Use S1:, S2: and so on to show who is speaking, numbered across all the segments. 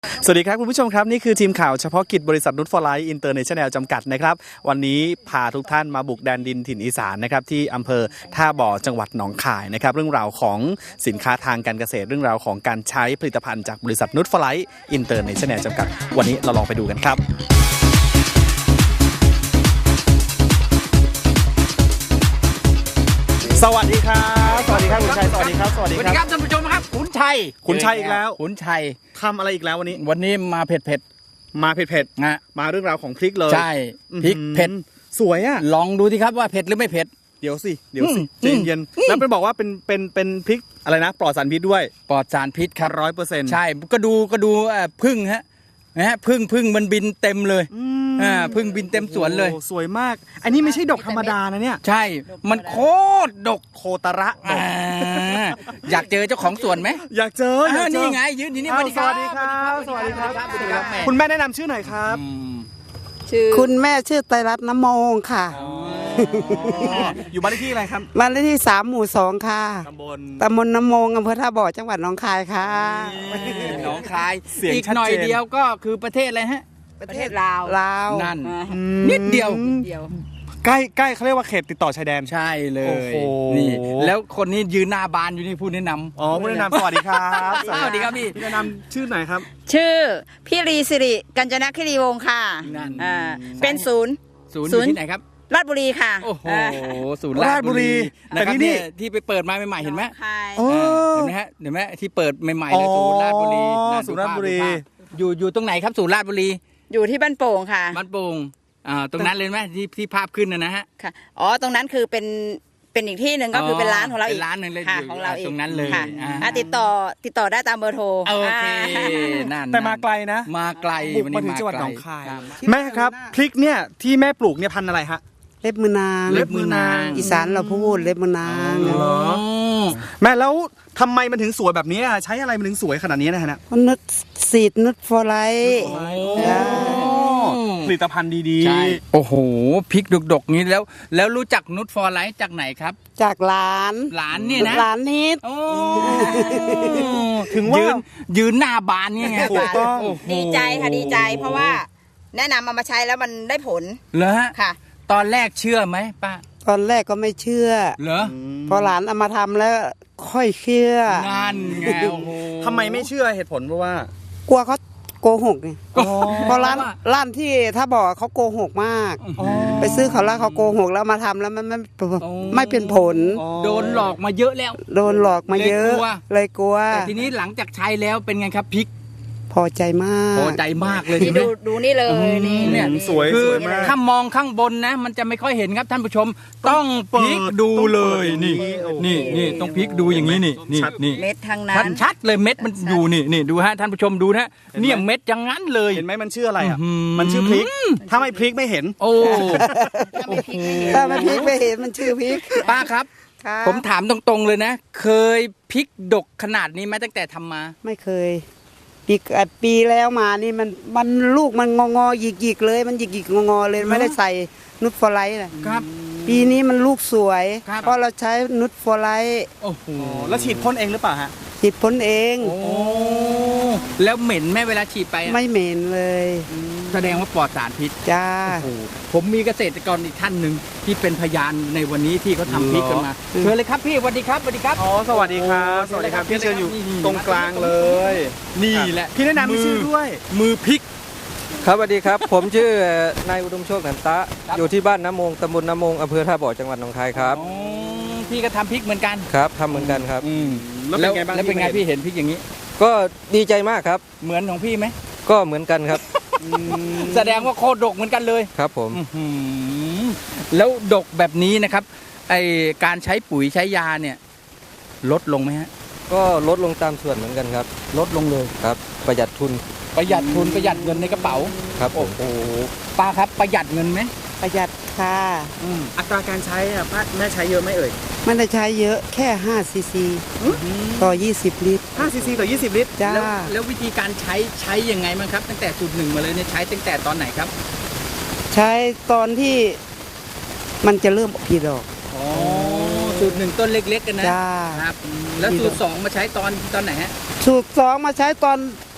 S1: สวัสดีครับคุณผู้ชมครับนี่คือทีมข่าวเฉพาะกิจบริษัทนุชฟอร์ไลท์อินเตอร์เนชั่นแนลจำกัดนะครับวันนี้พาทุกท่านมาบุกแดนดินถิ่นอีสานนะครับที่อำเภอท่าบ่อจังหวัดหนองคายนะครับเรื่องราวของสินค้าทางการเกษตรเรื่องราวของการใช้ผลิตภัณฑ์จากบริษัทนุชฟอร์ไลท์อินเตอร์เนชั่นแนลจำกัดวันนี้เราลองไปดูกันครับสวัสดีครับสวัสดีครับคุณชัยสวัสดีครับสวัสดีครับ
S2: ท่านผู้ชมครับขุนชัย
S1: อีกแล้ว
S2: ขุนชัย
S1: ทำอะไรอีกแล้ววันนี้
S2: มาเผ็ด
S1: นะมาเรื่องราวของพริกเลย
S2: ใช่พริกเผ็ด
S1: สวยอ่ะ
S2: ลองดูสิครับว่าเผ็ดหรือไม่เผ็ด
S1: เดี๋ยวสิใจเย็นแล้วไปบอกว่าเป็นพริกอะไรนะปลอดสารพิษด้วย
S2: ปลอดสารพิษครับ
S1: 100%
S2: ใช่ก็ดูพึ่งฮะพึ่งมันบินเต็มเลยพึ่งบินเต็มสวนเลย
S1: สวยมากอันนี้ไม่ใช่ดอกธรรมดานะเนี่ย
S2: ใช่มันโคตรดก
S1: โคตระ
S2: อยากเจอเจ้าของสวนไหม
S1: อยากเจอ
S2: นี่ไงยืนอยู่นี่
S1: สวัสดีครับคุณแม่แนะนำชื่อหน่อยครับ
S3: คุณแม่ชื่อไตรรัตน์น้ำมงค่ะ
S1: อยู่บ้านเลขที่อะไรครับ
S3: บ้านเลขที่3 หมู่ 2ค่ะตำบลน้ำมงอำเภอท่าบ่อจังหวัดหนองคายค่ะ
S2: หนองคายอีกหน่อยเดียวก็คือประเทศอะไรฮะ
S3: ประเทศลาว
S2: นั่นนิดเดียว
S1: ใกล้เขาเรียกว่าเขตติดต่อชายแดน
S2: ใช่เลยนี่แล้วคนนี้ยืนหน้าบานอยู่นี่ผู้แนะนำ
S1: ผู้แนะนำสวัสดีครับ
S2: สวัสดีครับพี่
S1: แนะนำชื่อไหนครับ
S4: ชื่อพี่รีสิริกัญจนคิรีวงศ์ค่ะเป็นศูนย์
S2: ที่ไหนครับ
S4: ราชบุรีค่ะ
S2: โอ้โหศูนย์ราชบุรีนะครับที่ไปเปิดมาใหม่ๆเห็นไหมเห็นไหมฮะเห็นไหมที่เปิดใหม่ๆเลยศูนย์ราชบุรีอยู่ตรงไหนครับศูนย์ราชบุรี
S4: อยู่ที่บ้านโป่งค่ะ
S2: บ้านโป่งตรงนั้นเลยไหมที่ภาพขึ้นนะฮะ
S4: ค่ะอ๋อตรงนั้นคือเป็นอีกที่หนึ่งก็คือเป็นร้านของเราอีก
S2: ร้านหนึ่งเลย
S4: ของเราอีก
S2: ตรงนั้นเลย
S4: ติดต่อได้ตามเบอร์โทร
S2: โอเคนั่น
S1: แต่มาไกลนะ
S2: มาไกล
S1: วันนี้มาถึงจังหวัดหนองคายแม่ครับพริกเนี่ยที่แม่ปลูกเนี่ยพันธุ์อะไรฮะ
S3: เล็บมือนางอีสานเราพูดเล็บมือนาง
S1: เหรอแม่แล้วทำไมมันถึงสวยแบบนี้ใช้อะไรมันถึงสวยขนาดนี้นะฮะ
S3: นุชซีดนุชฟอร์ไลท์
S1: ผลิตภัณฑ์ดี
S2: ๆโอ้โหพริกดกๆนี้แล้วรู้จักนุชฟอร์ไลท์จากไหนครับ
S3: จากหลาน
S2: เนี่ยนะ
S3: หลานนิด
S1: ถึงว่า
S2: ยืนหน้าบานนี่ไง
S1: ถูกต้อง
S4: ดีใจค่ะดีใจเพราะว่าแนะนำมาใช้แล้วมันได้ผล
S2: เหรอ
S4: ค่ะ
S2: ตอนแรกเชื่อไหมป้า
S3: ตอนแรกก็ไม่เชื่อ
S2: เหรอ
S3: พอหลานเอามาทำแล้วค่อยเชื่อ
S2: นั่นไงโอ้โห
S1: ทำไมไม่เชื่อเหตุผลเพราะว่าก
S3: ลัวเขาโกหกไงเพราะร้านที่ถ้าบอกเขาโกหกมากไปซื้อเขาแล้วเขาโกหกแล้วมาทำแล้วมันไม่เป็นผล
S2: โดนหลอกมาเยอะแล้ว
S3: โดนหลอกมาเยอะเลยกลัว
S2: แต่ทีนี้หลังจากใช้แล้วเป็นไงครับพริก
S3: พอใจมาก
S2: พอใจมากเลยใช่ไหม
S4: ดูนี่เลยนี่
S2: เนี่ย
S1: สวยมาก
S2: ถ้ามองข้างบนนะมันจะไม่ค่อยเห็นครับท่านผู้ชมต้องพลิกดูเลยนี่ต้องพลิกดูอย่างนี้นี่
S4: เม็ดทางนั้น
S2: ชัดเลยเม็ดมันอยู่นี่ดูฮะท่านผู้ชมดูนะเนี่ยเม็ดอย่างนั้นเลย
S1: เห็นไหมมันชื่ออะไรอ่ะมันชื่อพริกถ้าไม่พริกไม่เห็น
S2: โอ้
S3: ถ้าไม่พริกไม่เห็นมันชื่อพริก
S2: ป้าครับผมถามตรงๆเลยนะเคยพริกดกขนาดนี้ไหมตั้งแต่ทำมา
S3: ไม่เคยปีแล้วมานี่มันลูกมันงอหยิกเลยมันหยิกงอเลยไม่ได้ใส่นุชฟอร์ไลท์นะครับปีนี้มันลูกสวยเพราะเราใช้นุชฟอร์ไลท์
S2: โอ้โห
S1: แล้วฉีดพ่นเองหรือเปล่าฮะ
S3: ฉีดพ่นเอง
S2: โอ้แล้วเหม็นไหมเวลาฉีดไป
S3: ไม่เหม็นเลย
S2: แสดงว่าปลอดสารพิษ
S3: จ้า
S2: ผมมีเกษตรกรอีกท่านหนึ่งที่เป็นพยานในวันนี้ที่เขาทำพริกกันมาเชิญเลยครับพี่สวัสดีครับ
S1: สวัสดีครับสวัสดีครับพี่เชิญอยู่ตรงกลางเลย
S2: นี่แหละ
S1: พี่แนะนำชื่อด้วย
S2: มือพริก
S5: ครับสวัสดีครับผมชื่อนายอุดมโชคหนันตะอยู่ที่บ้านน้ำมงตำบลน้ำมงอำเภอท่าบ่อจังหวัดหนองคายครับ
S2: พี่ก็ทำพริกเหมือนกัน
S5: ครับทำเหมือนกันครับ
S2: แล้วเป็นไงพี่เห็นพริกอย่างนี้
S5: ก็ดีใจมากครับ
S2: เหมือนของพี่ไหม
S5: ก็เหมือนกันครับ
S2: แสดงว่าโคตรดกเหมือนกันเลย
S5: ครับผม
S2: แล้วดกแบบนี้นะครับไอการใช้ปุ๋ยใช้ยาเนี่ยลดลงไหมฮะ
S5: ก็ลดลงตามส่วนเหมือนกันครับ
S2: ลดลงเลย
S5: ครับประหยัดทุน
S2: ประหยัดเงินในกระเป๋า
S5: ครับโอ้โห
S2: ป้าครับประหยัดเงินไหม
S3: ประหยัดค่ะ
S1: อัตราการใช้อ่ะป้าแม่ใช้เยอะไหมเอ่ย
S3: ไม่ได้ใช้เยอะแค่5 ซีซีต่อ20 ลิตร
S1: 5 ซีซีต่อ20 ลิตร
S3: จ้า
S2: แล้ววิธีการใช้ยังไงมั้งครับตั้งแต่สูตร 1มาเลยเนี่ยใช้ตั้งแต่ตอนไหนครับ
S3: ใช้ตอนที่มันจะเริ่มผลิดอก
S2: สูตร 1ต้นเล็กๆกันนะครับแล้วสูตร 2มาใช้ตอนไหนฮะ
S3: สูตร 2มาใช้ตอน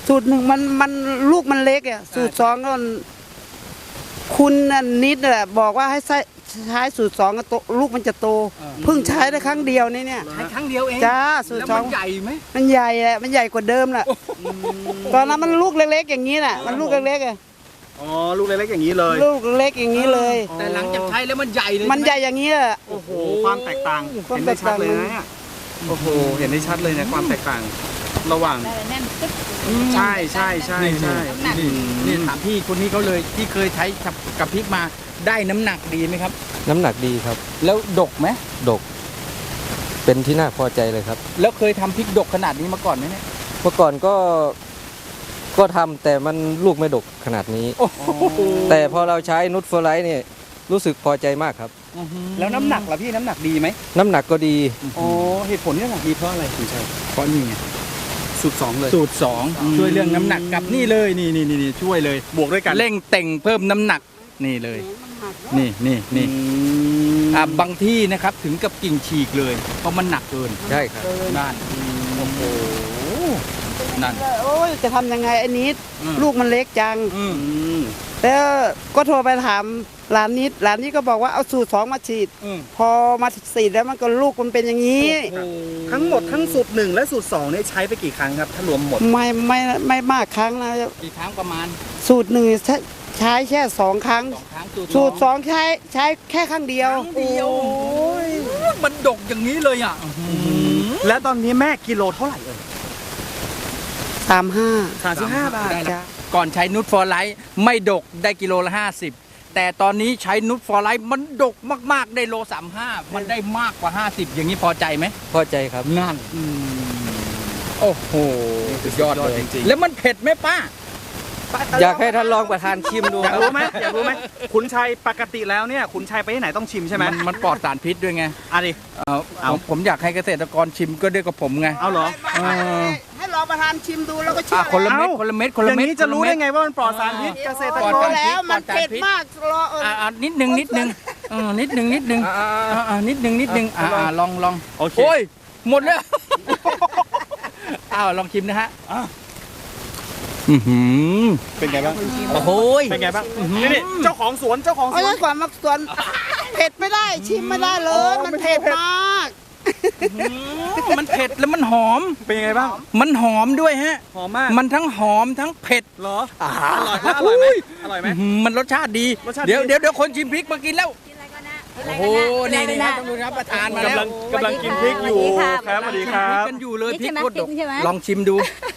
S3: สูตรหนึ่งมันลูกมันเล็กอ่ะสูตรสองก็คุณนิดแหละบอกว่าให้ใช้สูตรสองก็โตลูกมันจะโตเพิ่งใช้ได้ครั้งเดียวนี่เนี่ย
S2: ใช้ครั้งเดียวเอง
S3: จ้าสูตร
S2: แล้ว
S3: สอ
S2: มั
S3: ง
S2: นใหญ่ไหม
S3: มันใหญ่แหละมันใหญ่กว่าเดิมแหละตอนนั้นมันลูกเล็กๆอย่างนี้น่ะมันลูกเล็กๆอ่ะ
S1: อ๋อลูกเล็กๆอย่างนี้เลย
S3: ลูกเล็กอย่างนี้เลย
S2: แต่หลังจากใช้แล้วมันใหญ่เลย
S3: มันใหญ่อย่างนี้แหละ
S1: โอ้โหความแตกต่าง
S3: ความ
S1: เห็น
S3: แต
S1: ได้
S3: ก
S1: ชัด
S3: ต่าง
S1: เลยนะเนี่ยโอ้โหเห็นได้ชัดเลยนะความแตกต่าง ระหว่าง
S4: แน่นตึ๊บ
S1: ใช่ใช่ใช่ใช่
S2: นี่ถามพี่คนนี้เขาเลยที่เคยใช้กับพริกมาได้น้ำหนักดีไหมครับ
S5: น้ำหนักดีครับ
S2: แล้วดกไหม
S5: ดก เป็นที่น่าพอใจเลยครับ
S2: แล้วเคยทำพริกดกขนาดนี้มาก่อนไหมเนี่ย
S5: เมื่อก่อนก็ทำแต่มันลูกไม่ดกขนาดนี้
S2: โอ้โห
S5: แต่พอเราใช้นุชเฟอร์ไลท์เนี่ยรู้สึกพอใจมากครับ
S1: แล้วน้ำหนักล่ะพี่น้ำหนักดีไหม
S5: น้ำหนักก็ดี
S1: อ๋อเหตุผลที่น้ำหนักดีเพราะอะไรคุณชัย
S2: เพราะนี่ไง
S1: สูตรสองเลย
S2: สูตร 2 ช่วยเรื่องน้ำหนักกับนี่เลยนี่ช่วยเลย
S1: บวกด้วยกัน
S2: เร่งเต่งเพิ่มน้ำหนักนี่เลย นี่
S1: อื
S2: นี่
S1: ม
S2: บางที่นะครับถึงกับกิ่งฉีกเลย เพราะมันหนักเกิน
S5: ใช่ครับ
S2: นั่นโอ้โหนั่น
S3: โอ้ยจะทำยังไงไอ้นิด
S2: อืม
S3: ลูกมันเล็กจัง
S2: อืม
S1: อืม
S3: แล้วก็โทรไปถามร้านนิดร้านนี้ก็บอกว่าเอาสูตรสองมาฉีด
S2: อืม
S3: พอมาฉีดแล้วมันก็ลูกมันเป็นอย่างนี้
S1: ทั้งหมดทั้งสูตรหนึ่งและสูตรสองเนี่ยใช้ไปกี่ครั้งครับถ้ารวมหมด
S3: ไม่มากครั้งนะ
S2: กี่ครั้งประมาณ
S3: สูตรหนึ่งใช้แค่2 ครั้ง
S2: 2 ครั้ง
S3: สูตรสองใช้แค่ครั้งเดียว
S2: ครั้งเดียวมันดกอย่างนี้เลยอ่ะ
S1: และตอนนี้แม่กิโลเท่าไหร่เอ่ย
S3: 35
S1: 35 บาท
S2: ได้แล้วก่อนใช้นูตฟอร์ไลท์ไม่ดกได้กิโลละ50 แต่ตอนนี้ใช้นูตฟอร์ไลท์มันดกมากๆได้โล35มันได้มากกว่า50อย่างนี้พอใจไหม
S5: พอใจครับ
S2: นั่นโอ้โหสุดยอดเลย
S1: จริงๆ
S2: แล้วมันเผ็ดไหมป้า
S5: อยากให้ท่านรองประธานชิมดู
S1: อยาก
S5: ครับ
S1: รู้ไหมอยากรู้ไหมคุณชัยปกติแล้วเนี่ยคุณชัยไปที่ไหนต้องชิมใช่ไหม
S2: มันปลอดสารพิษด้วยไง
S1: อ่ะดิ
S2: ผมอยากให้เกษตรกรชิมก็ด้วยกับผมไง
S1: เอาเหรอ
S3: ให้รองประธานชิมดูแล้วก็ชิม
S2: คนละเม็ด
S1: เอ้า
S2: คนละเม็ดคน
S1: อ
S2: ละ
S1: ย่าง
S2: เม็ด
S1: นี้จะรู้ได้ไงว่ามันปลอดสารพิษเกษตร
S2: ปลอด
S1: ก
S2: สาร รพิษ
S3: แล้วมันเผ็ดมากรอ
S2: นิดนึงนิดนึงนิดนึงนิดนึงนิดนึงลอง
S1: โอเค
S2: โอ้ยหมดแล้วอ้าวลองชิมนะฮะ
S1: เป็นไงบ้าง
S2: โอ้โห
S1: เป็นไงบ้างนี่เจ้าของสวนเจ้าของส
S3: เอา
S1: วน
S3: ไว้ก่อนมาส่วนเผ็ดไม่ได้ชิมไม่ได้เลย มันเผ็ดมาก
S2: มันเผ็ดแล้วมันหอม
S1: เป็นยังไงบ้าง
S2: มันหอมด้วยฮะ
S1: หอมมาก
S2: มันทั้งหอมทั้งเผ็ด
S1: เหรออร่อยแล้วอร่อยไหมอร่อยไหม
S2: มันรสชาติดี
S1: รสชาติดี
S2: เดี๋ยวคนชิมพริกมากินแล้วโอ้โหนี่ครับต้องดูครับประธานมาแล้ว
S1: กำลังกินพริกอยู่ครับสวัสดีครับ
S2: กันอยู่เลยพริก
S4: ใช่ไหม
S2: โคตรดก
S4: ใช่ไหม
S2: ลองชิมดู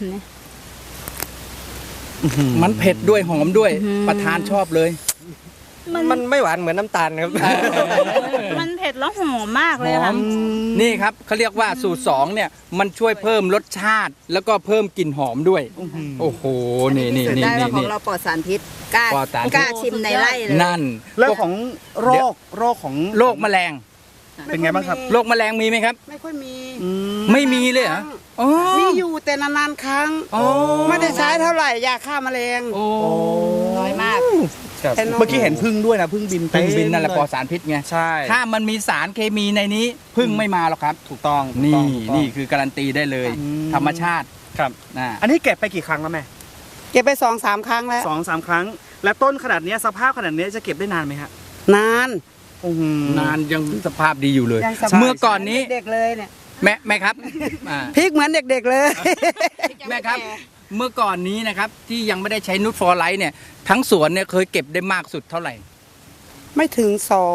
S2: มันเผ็ดด้วยหอมด้วย ประธานชอบเลย
S5: มันไม่หวานเหมือนน้ำตาลครับ
S4: มันเผ็ดแล้วหอมมากเลย
S2: หอ
S4: ค่ะ
S2: มนี่ครับเขาเรียกว่าสูตร2เนี่ยมันช่วยเพิ่มรสชาติ แล้วก็เพิ่มกลิ่นหอมด้วย โอ้โหนี่
S4: ได้ว่าของเราปลอดสารพิษกล้า
S2: ปลอดสารพิษ
S4: กล้าชิมในไร่เลย
S2: นั่น
S1: แล้วของโรคของ
S2: โรคแมลง
S1: เป็นไงบ้างครับ
S2: โรคแมลงมีไหมครับ
S3: ไม่ค่อยมี
S2: ไม่มีเลยเหรออ๋อ
S3: มีอยู่แต่นานๆครั้ง
S2: อ๋อ
S3: ไม่ได้ใช้เท่าไหร่ยาฆ่าแมลง
S2: โอ้
S4: น้อยมาก
S3: แต่น้อย
S1: เมื่อกี้เห็นพึ่งด้วยนะพึ่งบิน
S2: พึ่งบินนั่นแหละ
S1: เต็ม
S2: ปล
S1: เย
S2: อดสารพิษไง
S1: ใช่
S2: ถ้ามันมีสารเคมีในนี้พึ่งไม่มาหรอกครับ
S1: ถูกต้อง
S2: นี่
S1: ถูกต้อง
S2: นี่คือการันตีได้เลย
S1: อืม
S2: ธรรมชาติ
S1: ครับ
S2: นะ
S1: อันนี้เก็บไปกี่ครั้งแล้วแม่
S3: เก็บไป2-3 ครั้งแล้ว
S1: 2-3 ครั้ง และต้นขนาดเนี้ยสภาพขนาดเนี้ยจะเก็บได้นานไหมฮะ
S3: นาน
S2: นานยังสภาพดีอยู่เลย
S3: ยังสบาย
S2: เมื่อก่อนนี้
S3: เด็กๆเลยเนี่ย
S2: แม่ครับอ่า
S3: พริกเหมือนเด็กๆเลย
S2: แม่ครับ เมื่อก่อนนี้นะครับที่ยังไม่ได้ใช้นูตฟอร์ไลท์เนี่ยทั้งสวนเนี่ยเคยเก็บได้มากสุดเท่าไหร่
S3: ไม่ถึง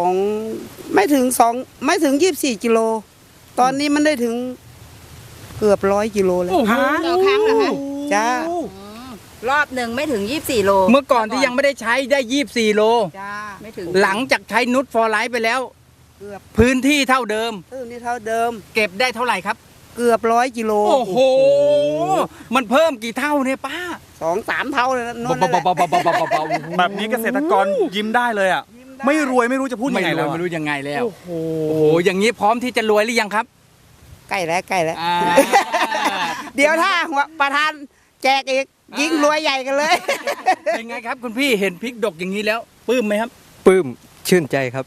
S3: 24 กิโล ตอนนี้มันได้ถึงเกือบ100 กิโลแล้ว
S4: ต่อครั้งเหรอคะ
S3: จ้าร
S4: อบหนึ่งไม่ถึง 24 โล
S2: เมื่อก่อนที่ยังไม่ได้ใช้ได้24โล
S3: จ้า
S4: ไม่ถึง
S2: หลังจากใช้นูตฟอร์ไลท์ไปแล้ว
S3: เกือบ
S2: พื้นที่เท่าเดิม
S3: นี่เท่าเดิม
S2: เก็บได้เท่าไหร่ครับ
S3: เกือบ100 กิโล
S2: โอ้โห มันเพิ่มกี่เท่าเนี่ยป้า
S3: 2-3 เท่าเลยนะนู่นนั่นแหละ
S1: แบบนี้เกษตรกรยิ้มได้เลยอ่ะ ไม่รวยไม่รู้จะพูดยังไงแล้ว
S2: ไม่รู้ยังไงแล้ว
S1: โอ้โห
S2: โอ้โหอย่างนี้พร้อมที่จะรวยหรือยังครับ
S3: ใกล้แล้ว
S2: อ่า
S3: เดี๋ยวถ้าหัวประธานแจกอีกยิ่งรวยใหญ่กันเลย
S2: เป็นไงครับคุณพี่เห็นพริกดกอย่างนี้แล้วปลื้มไหมครับ
S5: ปลื้มชื่นใจครับ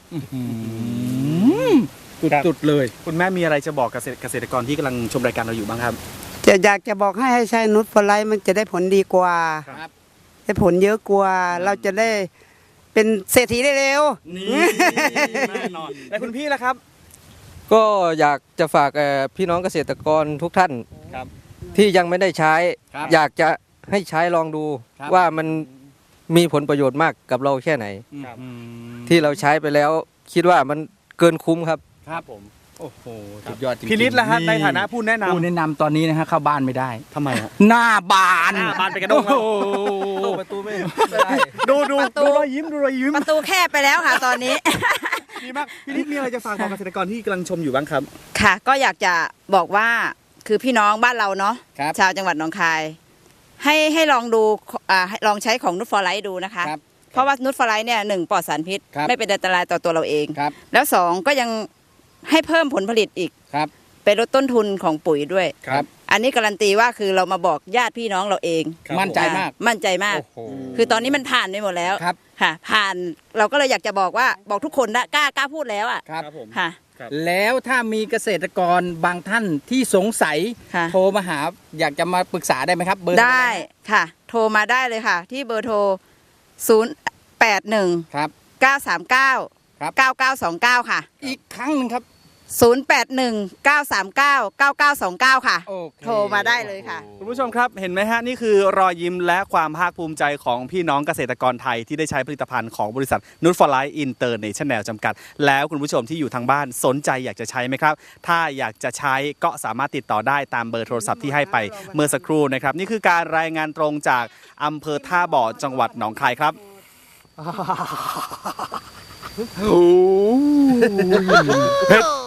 S2: สุดๆเลย
S1: คุณแม่มีอะไรจะบอกเกษตรกรที่กำลังชมรายการเราอยู่บ้างครับ
S3: อยากจะบอกให้ใช้นูตฟอร์ไลท์มันจะได้ผลดีกว่า
S2: ครับ
S3: ได้ผลเยอะกว่า เราจะได้เป็นเศรษฐีได้เร็ว
S1: นี่แน่นอนแล้วคุณพี่ล่ะครับ
S5: ก็อยากจะฝากพี่น้องเกษตรกรทุกท่าน
S1: ครับ
S5: ที่ยังไม่ได้ใช้
S2: ครับ
S5: อยากจะให้ใช้ลองดู
S2: ครับ
S5: ว่ามันมีผลประโยชน์มากกับเราแค่ไหน
S1: ครับ
S2: อืม
S5: ที่เราใช้ไปแล้วคิดว่ามันเกินคุ้มครับ
S2: ครับผมโอ้โหสุดยอดจริงๆ
S1: พี่นิดล่ะฮะในฐานะผู้แนะนำ
S2: ผู้แนะนำตอนนี้นะฮะเข้าบ้านไม่ได้
S1: ทำไมฮะ
S2: หน้าบาน
S1: หน้าบานไปกระด้งแล้ว
S2: โอ้โห
S5: ประตูไม่
S1: ดู
S4: ประตู
S1: รอยยิ้มดูรอยยิ้ม
S4: ประตูแคบไปแล้วค่ะตอนนี้
S1: ดีมากพี่นิดมีอะไรจะฝากบอกเกษตรกรที่กำลังชมอยู่บ้างครับ
S4: ค่ะก็อยากจะบอกว่าคือพี่น้องบ้านเราเนาะ
S2: ครับ
S4: ชาวจังหวัดหนองคาย ให้ลองดูให้ลองใช้ของนูตฟอร์ไลท์ดูนะคะ
S2: ครับ
S4: เพราะว่านูตฟอร์ไลท์เนี่ยหนึ่งปลอดสารพิษ
S2: ครับ
S4: ไม่เป็นอันตรายต่อตัวเราเอง
S2: ครับ
S4: แล้วสองก็ยังให้เพิ่มผลผลิตอีก
S2: ครับ
S4: เป็นลดต้นทุนของปุ๋ยด้วย
S2: ครับ
S4: อันนี้การันตีว่าคือเรามาบอกญาติพี่น้องเราเอง
S1: ครับ
S2: มั่นใจมาก
S4: มั่นใจมาก
S2: โอ้โห
S4: คือตอนนี้มันผ่านไปหมดแล้ว
S2: ครับ
S4: ค่ะ ผ่านเราก็เลยอยากจะบอกว่าบอกทุกคนนะกล้าพูดแล้วอ่ะ
S2: ครับ
S1: ผม
S4: ค่ะ
S2: แล้วถ้ามีเกษตรกรบางท่านที่สงสัย
S4: ค่ะ
S2: โทรมาหาอยากจะมาปรึกษาได้ไหมครับ เบอร์
S4: ได้ค่ะ โทรมาได้เลยค่ะ ที่เบอร์โทร 081
S2: ครับ
S4: 939
S2: ครับ
S4: 9929 ค่ะ
S2: อีกครั้งหนึ่งครับ
S4: 081 939 9929 ค่ะ
S2: โอเค
S4: โทรมาได้เลยค่ะ
S1: คุณผู้ชมครับเห็นไหมฮะนี่คือรอยยิ้มและความภาคภูมิใจของพี่น้องเกษตรกรไทยที่ได้ใช้ผลิตภัณฑ์ของบริษัทนูตฟอร์ไลท์อินเตอร์เนชั่นแนลจำกัด แล้วคุณผู้ชมที่อยู่ทางบ้านสนใจอยากจะใช้ไหมครับ ถ้าอยากจะใช้ก็สามารถติดต่อได้ตามเบอร์โทรศัพท์ที่ให้ไปเมื่อสักครู่นะครับนี่คือการรายงานตรงจากอำเภอท่าบ่อจังหวัดหนองคายครับเผ็ด